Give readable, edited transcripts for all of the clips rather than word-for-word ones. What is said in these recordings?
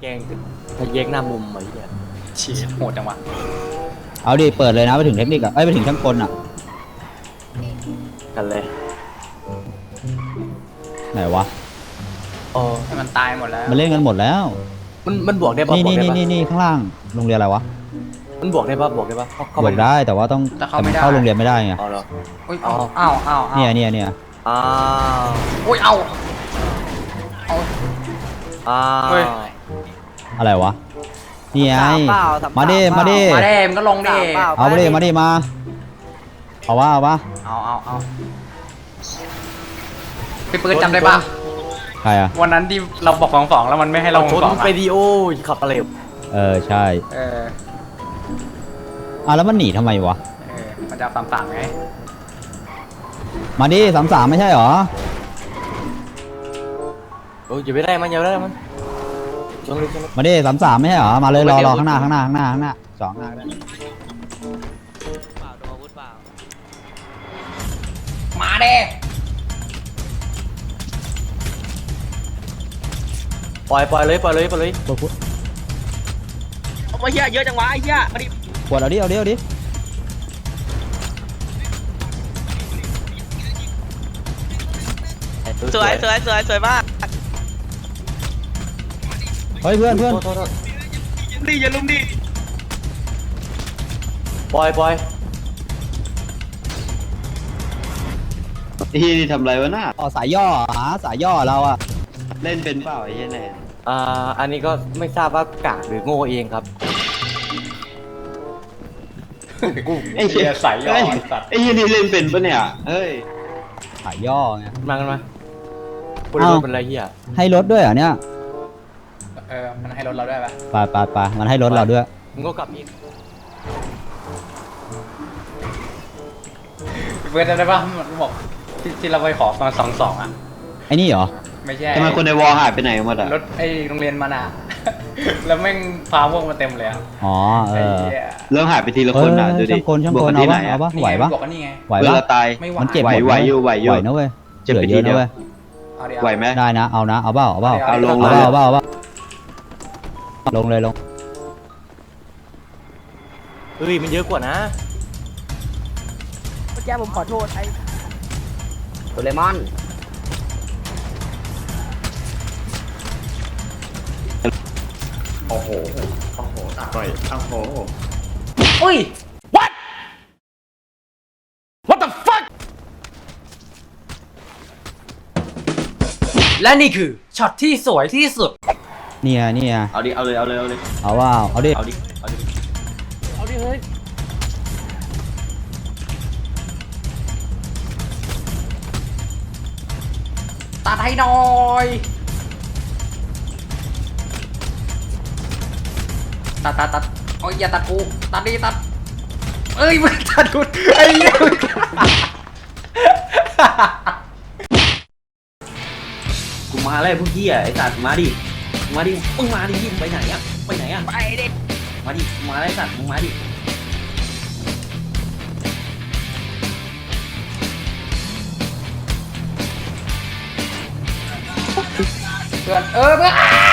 กงถ้าแยกหน้ามุมไอ้เหี้ยฉีดโหดจังวะเอาดิเปิดเลยนะไปถึงเทคนิคอ่ะไปถึงช่างกลอ่ะกันเลยไหนวะอ๋อให้มันตายหมดแล้วมันเล่นกันหมดแล้วมันบวกได้ปะนี่บวกนี่ได้นี่ปะนี่ข้างล่างโรงเรียนอะไรวะมันบวกได้ปะบวกได้ปะเข้าบไปวกได้แต่ว่าต้องแต่มันเข้าโรงเรียนไม่ได้ไงเอาเหรออุ้ยอ๋ออ้าวเนี่ยอ้าวอุ้ยเอาอ้าเฮ้ยวอะไรวะนี่ไงสามเปล่สมาดิเปล่มาดิมาเด้มนก็ลงดิสามเปล่เอาไปดิมาดิมาเอาวะเอาพี่ปืนจำได้ปะใครอ่ะวันนั้นที่เราบอกสองแล้วมันไม่ให้เราชนสองไปดีโอขับอะไรใช่เออแล้วมันหนีทำไมวะมันจะตามไงมาดิ33ไม่ใช่หรอโอ้ยอย่าไปได้มันอย่าไปได้มันชนเลยชนเลยมาดิ33ไม่ใช่หรอมาเลยรอข้างหน้าสองหน้าก็ได้มาเด้ปล่อยเลยปวดไอ้เหี้ยเยอะจังวะไอ้เหี้ยมาดิปวดเอาดิสวยมากเฮ้ยเพื่อนโทษดิอย่าลุมดิปล่อยไอ้ที่นี่ทำไรวะน่าอ๋อสายย่อสายย่อเราอ่ะเล่นเป็นเปล่าไอ้เหี้ยแน่อันนี้ก็ไม่ทราบว่ากากหรือโง่เองครับไอ้เหี้ยใส่ยอเฮ้ยดสัตว์ไอ้เหี้ยนี่เล่นเป็นปะเนี่ยเฮ้ยสายย่อไงมากันมาคนรถเป็นไรเหี้ยให้รถด้วยเหรอเนี่ยมันให้รถเราได้ปะไปมันให้รถเราด้วยมึงก็กลับอีกพี่ปืนจำได้ปะมันบอกที่เราไปขอตอน2-2อ่ะไอ้นี่เหรอไม่ใช่ทำไมคนในวอลหายไปไหนหมดอ่ะรถไอ้โรงเรียนมันอ่ะ แล้วแม่งพาพวกมาเต็มเลยอ่ะอ๋อไอ้เออเหี้ยเริ่มหายไปทีละคนอ่ะดูดิช่างบวกคกัน นเอาที่ไหนปะอ่ะเอาปะนี่ไหวไงปะบอกกันนี่ไงไหวเวปะลาตายไม่ไหวมันเจ็บหมดไหวอยู่ไหวนะเว้ยเจ็บเหลืไปอทีเยอะเดีนะยวเว้ยเอาดิไหวไหมได้นะเอานะเอาเปล่าเอาลงเอาเลยเปล่าลงเลยเฮ้ยมันเยอะกว่านะเมื่อกี้ผมขอโทษไอ้โดเรมอนโอ้โหต่อยโอ้โหอุ้ย What the fuck และนี่คือช็อตที่สวยที่สุดเนี่ยเอาดิเอาเลยเอาดิเอาดิเอาดิเฮ้ยตัดให้หน่อย ตัดโอ้ยอย่าตัดกูตัดดิตัดเอ้ยมึงตัดกูไอ้เหี้ยมึงกูมาแล้วพวกเหี้ยไอ้สัตว์มาดิมึงมาดิมึงไปไหนอ่ะไปเด็กมาดิมาแล้วไอ้สัตว์มึงมาดิเพื่อนเพื่อน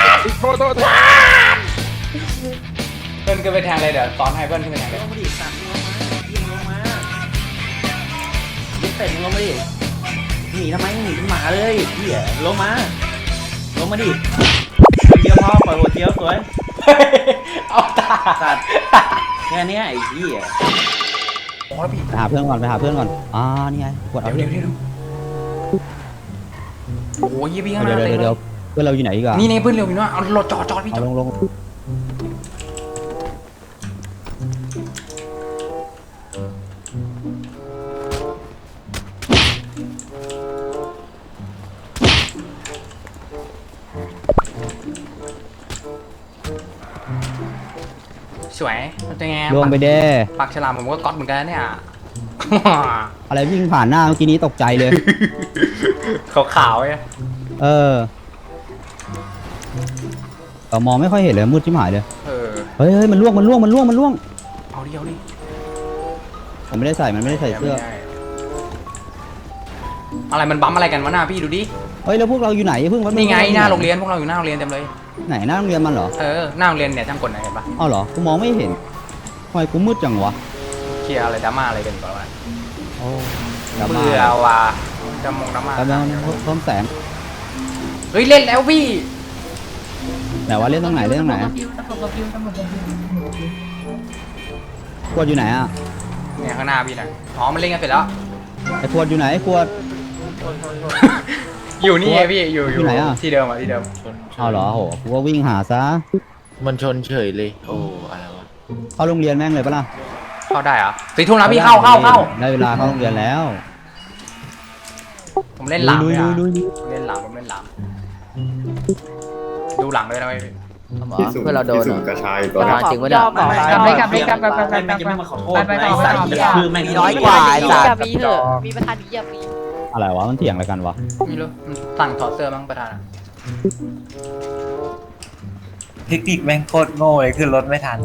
เพื่อนขึ้นไปแทงเลยเดี๋ยวตอนให้เพื่อนขึ้นไปแทงเลยลงมาดิสัตว์ลงมายิงลงมายิงเป็ดลงมาดิหนีทำไมหนีเป็นหมาเลยเหี้ยลงมาดิเดียวพอปล่อยหัวเจียวสวยเอาตาสัตว์แค่เนี้ยไอ้เหี้ยโอ้แล้วพี่ไปหาเพื่อนก่อนนี่ไงกดเอาดิเดี๋ยวโอ้ยพี่ข้างหน้าเดี๋ยวเพื่อนเราอยู่ไหนอีกอะนี่เพื่อนเร็วพี่ว่าเอารถจอดพี่จเอาอดลงสวยมันจะไงลงไปเด้ปากฉลามผมก็ก๊อตเหมือนกันเนี่ยอะไรวิ่งผ่านหน้าเมื่อกี้นี้ตกใจเลยขาวๆไงมองไม่ค่อยเห็นเลยมืดชิบหายเลยเฮ้ยเฮ้ยมันล่วงเอาดิมันไม่ได้ใส่เสื้ออะไรมันบั๊มอะไรกันวะหน้าพี่ดูดิเฮ้ยแล้วพวกเราอยู่ไหนเพิ่งนี่ไงหน้าโรงเรียนพวกเราอยู่หน้าโรงเรียนเต็มเลยไหนหน้าโรงเรียนมันเหรอหน้าโรงเรียนเนี่ยช่างกลไหนเห็นปะเอาเหรอกูมองไม่เห็นทำไมกูมืดจังวะเคลียร์อะไรดราม่าอะไรกันก่อนวะโอ้ดราม่าเบื่อว่ะจะมองดราม่าแล้วเพิ่มแสงเฮ้ยเล่นแล้วพี่ไหนวะเล่นตรงไหนเล่นตรงไหนขวดอยู่ไหนอ่ะเนี่ยข้างหน้าพี่น่ะอ๋อมันเล่นกันเสร็จแล้วไอ้ขวดอยู่ไหนไอ้ขวดอยู่นี่ไงพี่อยู่ที่ไหนอะที่เดิมอ่ะที่เดิมเอาเหรอโหกูว่าวิ่งหาซะมันชนเฉยเลยโอ้อะไรวะเข้าโรงเรียนแม่งเลยปะล่ะเข้าได้เหรอ4 ทุ่มแล้วพี่เข้าได้เวลาเข้าโรงเรียนแล้วผมเล่นหลังเลยอ่ะลุยผมเล่นหลังดูหลังด้วยนะพี่เพื่อเราโดนกระชายตัวประธานจริงวะเนี่ยกลับเลยกลับเลยกลับกลับกลับกลับแม่งยังไม่มาขอโทษไปต่อไอ้สัตว์ไปต่อจะคือแม่งน้อยกว่าไอ้สัตว์มีเหอะมีประธานนี้อย่ามีอะไรวะมันเถียงอะไรกันวะไม่รู้มันสั่งถอดเสื้อมั้งประธานอะเทคนิคแม่งโคตรโง่เลยขึ้นรถไม่ทัน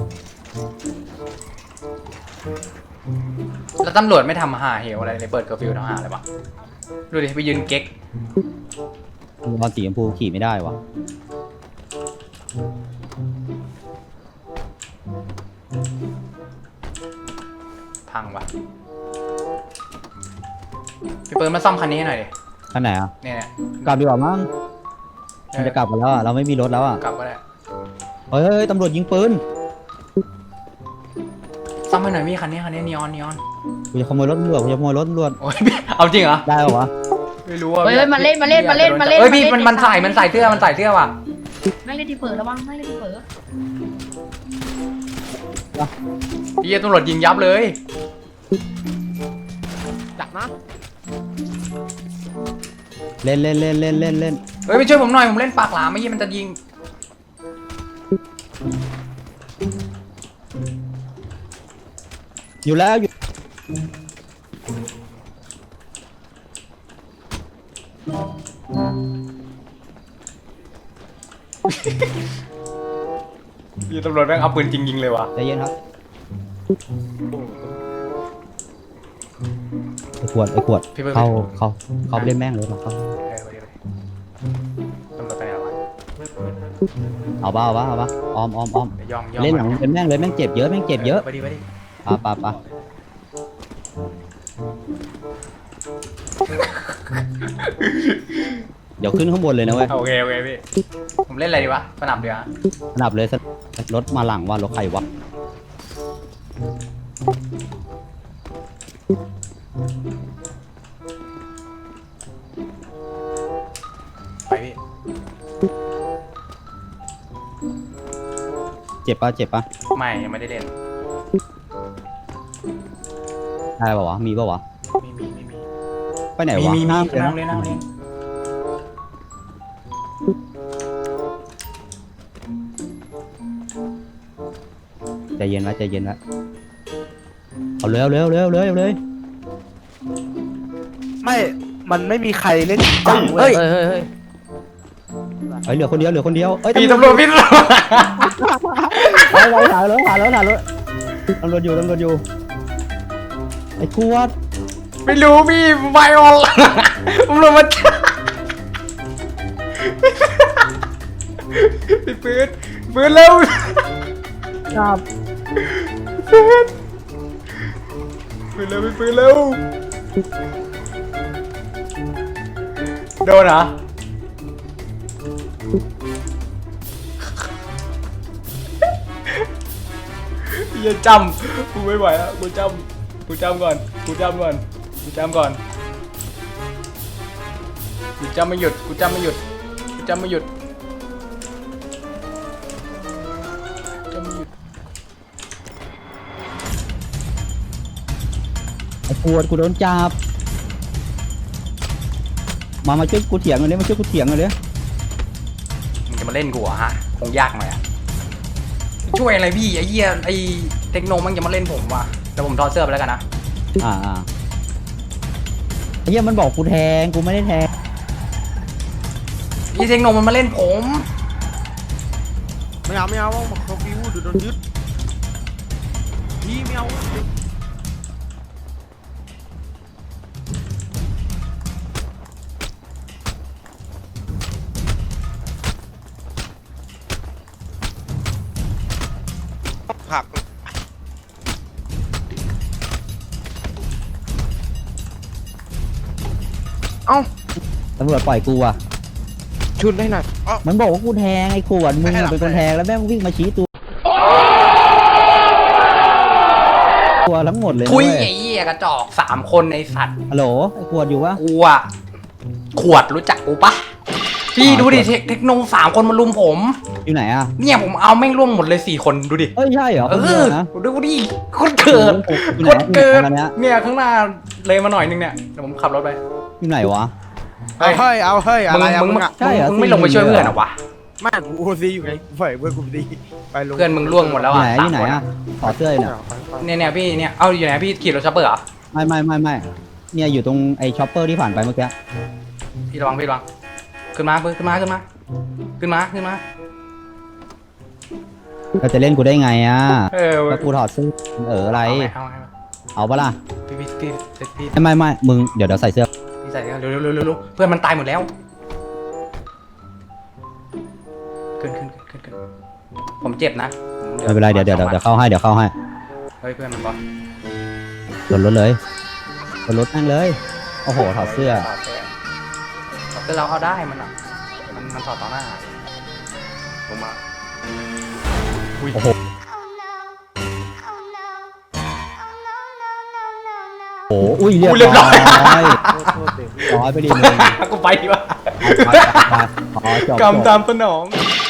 แล้วตำรวจไม่ทำหาเหวอะไรเลยเปิดเคอร์ฟิวทำหาอะไรวะดูดิไปยืนเก๊กบอลสีชมพูขี่ไม่ได้วะพังวะพี่เปิดมาซ่อมคันนี้ให้หน่อยดิคันไหนอ่ะเนี่ยกลับดีกว่ามั้งมันจะกลับกันแล้วอ่ะเราไม่มีรถแล้วอ่ะกลับก็ได้เฮ้ยตำรวจยิงปืนซ่อมให้หน่อยพี่คันนี้นีออนกูจะขโมยรถตำรวจกูจะขโมยรถตำรวจโอ้ยพี่เอาจริงเหรอได้ปะวะไม่รู้ว่าเฮ้ยมาเล่นเฮ้ยพี่มันใส่เสื้อว่ะไม่เล่นที่เผลอระวังไม่เล่นที่เผลอพี่ตำรวจยิงยับเลยจับนะเล่นเฮ้ยไปช่วยผมหน่อยผมเล่นปากหลามไม่ยี่มันจะยิงอยู่แล้วอยู่พี่ตำรวจแม่งเอาปืนจริงยิงเลยว่ะใจเย็นครับไอ้ขวดเขาไปเล่นแม่งเลยเขาตำรวจไปไหนวะเอาบ้าออมยอมเล่นหลังเป็นแม่งเลยแม่งเจ็บเยอะไปดิปะเดี๋ยวขึ้นข้างบนเลยนะเว้ยโอเคพี่ผมเล่นอะไรดีวะสนับเดี๋ยวสนับเลยรถมาหลังว่ารถใครวะไปพี่เจ็บปะไม่ยังไม่ได้เล่นได้ปะวะมีปะวะไม่มีไปไหนวะมีห้ามนั่งเล่นใจเย็นไว้เอาเร็วไม่มันไม่มีใครเล่นเฮ้ยเหลือคนเดียวพี่ตำรวจไปหารถตำรวจอยู่ไอ้ขวดไม่รู้พี่ไวออลผมลงมาพี่ปืนเร็วครับปืนเร็วโดนเหรออย่าจำกูไม่ไหวแล้วกูจำก่อนกูจำไม่หยุดไอ้ขวดกูโดนจับมาช่วยกูเถียงเลยมึงจะมาเล่นกูเหรอฮะคงยากหน่อยอะช่วยอะไรพี่ไอ้เหี้ยไอ้เทคโนมันจะมาเล่นผมว่ะแต่ผมถอดเสื้อไปแล้วกันนะไอ้เหี้ยมันบอกกูแทงกูไม่ได้แทงไอ้เทคโนมันมาเล่นผมไม่เอาบอกเขาฟิวเดี๋ยวโดนยึดพี่ไม่เอาผัก เอ้าตำรวจปล่อยกูอ่ะชุดได้หน่อยเอ้ามันบอกว่ากูแทงไอ้ขวดมึงอะเป็นคนแทงแล้วแม่งวิ่งมาชี้ตัวทั้งหมดเลยนะทุยเว้ไอ้เหี้ยกระจอก3 คนในสัตว์ฮัลโหลไอ้ขวดอยู่วะกูอะขวดรู้จักกูปะพี่ดูดิเทคโน3 คนมาลุมผมอยู่ไหนอ่ะเนี่ยผมเอาแม่งร่วมหมดเลย4 คนดูดิเอ้ยใช่เหรอเอคนเดียอวนะดูดิคนเกิดอยู่คไหนนเกิดอยู่ไหนกันเนี่ยเนี่ยข้างหน้าเลยมาหน่อยนึงเนี่ยเดี๋ยวผมขับรถไปอยู่ไหนวะเอาเฮ้ยเอาเฮ้ยอะไรอะมึงมึงอะใช่เหรอมึงไม่ลงไปช่วยเพื่อนเหรอวะไม่กูโอซีอยู่ไงกูปล่อยเพื่อนกูดีไปลงเพื่อนมึงล่วงหมดแล้วอยู่อ่ะไหนอยู่ไหน 3 คนอ่ะขอเสื้ออยู่เนี่ยเนี่ยพี่เนี่ยเอาอยู่ไหนพี่ขี่รถช็อปเปอร์เหรอไม่เนี่ยอยู่ตรงไอ้ช็อปเปอร์ที่ผ่านไปเมื่อกี้พี่ระวังขึ้นมาขึ้นมาเราจะเล่นกูได้ไงอ่ะเออแล้วกูถอดเสื้ออะไรเอาไงเอาปะล่ะพี่ไม่มึงเดี๋ยวใส่เสื้อพี่ใส่เร็วเพื่อนมันตายหมดแล้วขึ้นผมเจ็บนะไม่เป็นไรเดี๋ยวเข้าให้เฮ้ยเพื่อนมันบอสรถเลยรถนั่งเลยโอ้โหถอดเสื้อคือเราเอาได้มันอ่ะมันถอดต่อหน้าลงมาโอ้โหโอ้อุ้ยเรียบร้อยร้อยไปดิมึงกูไปดีกว่าอ๋อจบกำตามสนองจ